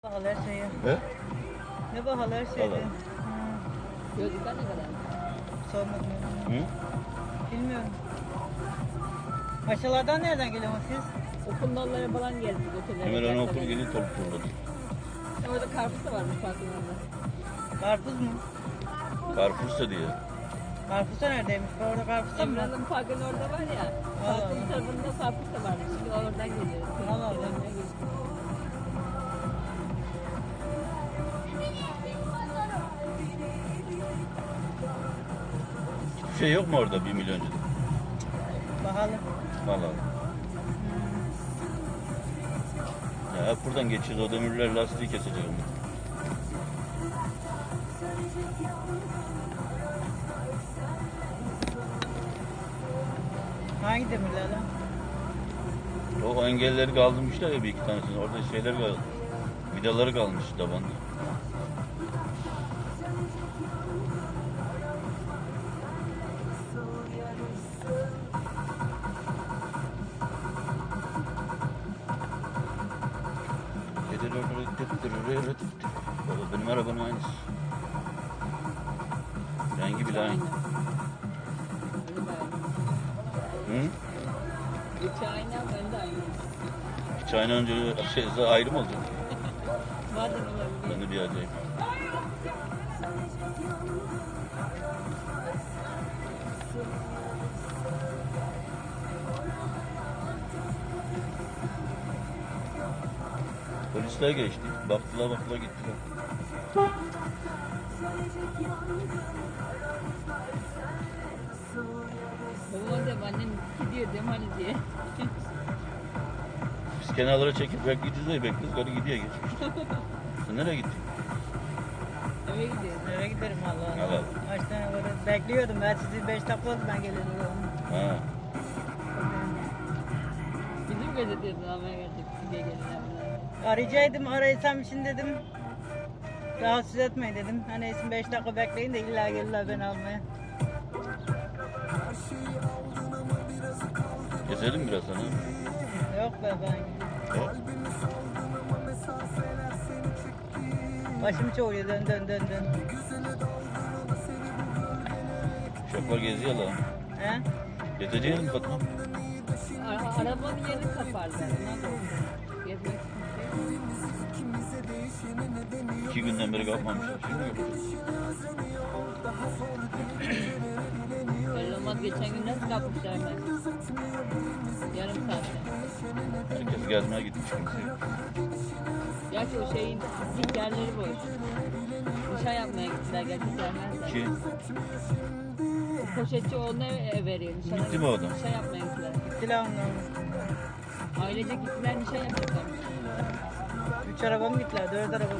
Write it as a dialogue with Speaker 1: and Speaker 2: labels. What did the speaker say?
Speaker 1: Pahalı her şeyi.
Speaker 2: He?
Speaker 1: Ne pahalı her şeydi.
Speaker 2: Vallahi.
Speaker 3: Gözlükler ne kadar?
Speaker 1: Sormadım.
Speaker 2: Hı?
Speaker 1: Bilmiyorum. Paşalardan nereden geliyorsunuz siz?
Speaker 3: Okuldalara falan geldik.
Speaker 2: Hemen ana okul geliyor topuk turladı.
Speaker 3: Orada karpuz da varmış parkın orada.
Speaker 1: Karpuz mu?
Speaker 2: Karpuz da diye.
Speaker 1: Karpuz da neredeymiş? Orada karpuz da mı? var?
Speaker 3: Emrah'ın parkın orada var ya. Parkın tarafında karpuz da varmış. Şimdi oradan geliyoruz.
Speaker 1: Allah Allah.
Speaker 2: Hiçbir şey yok mu orada 1 milyoncuda?
Speaker 1: Pahalı.
Speaker 2: Vallahi. Ya hep buradan geçiyoruz. O demirler lastiği kesecek onu.
Speaker 1: Hangi demirler lan?
Speaker 2: O engelleri kaldırmışlar ya bir iki tanesini. Orada şeyler kaldı. Vidaları kalmış tabanda. Baba benim arabanın aynısı. Rengi bile aynı. Hı?
Speaker 3: İçi aynı ama önde aynı.
Speaker 2: Hiç aynı önce ayrı mı olacak?
Speaker 3: Bazen olabilir.
Speaker 2: Ben de bir acayip. Polisler geçti. Baktılar gittiler.
Speaker 3: Babama diyorum annem gidiyor diyorum hani diye.
Speaker 2: Biz kenarlara çekip bekleyeceğiz de bekliyoruz. Karı gidiyor geçmiş. Sen nereye gittin?
Speaker 3: Eve gidiyoruz.
Speaker 1: Eve giderim Allah.
Speaker 2: Allah.
Speaker 1: Kaç tane var? Bekliyordum ben sizi 5 dakika oldu ben geleli.
Speaker 2: Ha.
Speaker 3: Bizim gözetiyoruz almaya geldik diye gelirler.
Speaker 1: Arayacaktım araysam için dedim. Rahatsız etmeyin dedim. Hani isim 5 dakika bekleyin de illa gelirler beni almaya.
Speaker 2: Gezelim biraz sana.
Speaker 1: Yok be ben.
Speaker 2: He?
Speaker 1: Başım çoğuruyor dön.
Speaker 2: Şoför geziyor lan.
Speaker 1: He?
Speaker 2: Gezeceğiz mi Fatma?
Speaker 3: Arabanın yerini kaparlar. Ondan da gezmek için.
Speaker 2: 2 günden beri kalkmamışlar. Şimdi yapacağız.
Speaker 3: Belli olmaz geçen gün nasıl kapmışlar hemen. Yarım saatte.
Speaker 2: Herkes gezmeye gitmiş kimse yok.
Speaker 3: Gerçi o şeyin dik yerleri boş. Nişan yapmaya gittiler gerçi gelmezler.
Speaker 2: Ki
Speaker 3: Poşetçi oğluna veriyor.
Speaker 2: Gitti mi o adam?
Speaker 3: Nişan yapmaya gittiler.
Speaker 1: Gittiler onlar.
Speaker 3: Ailecek gittiler nişan yapacaklar.
Speaker 1: 3 araba mı gittiler? 4 araba mı?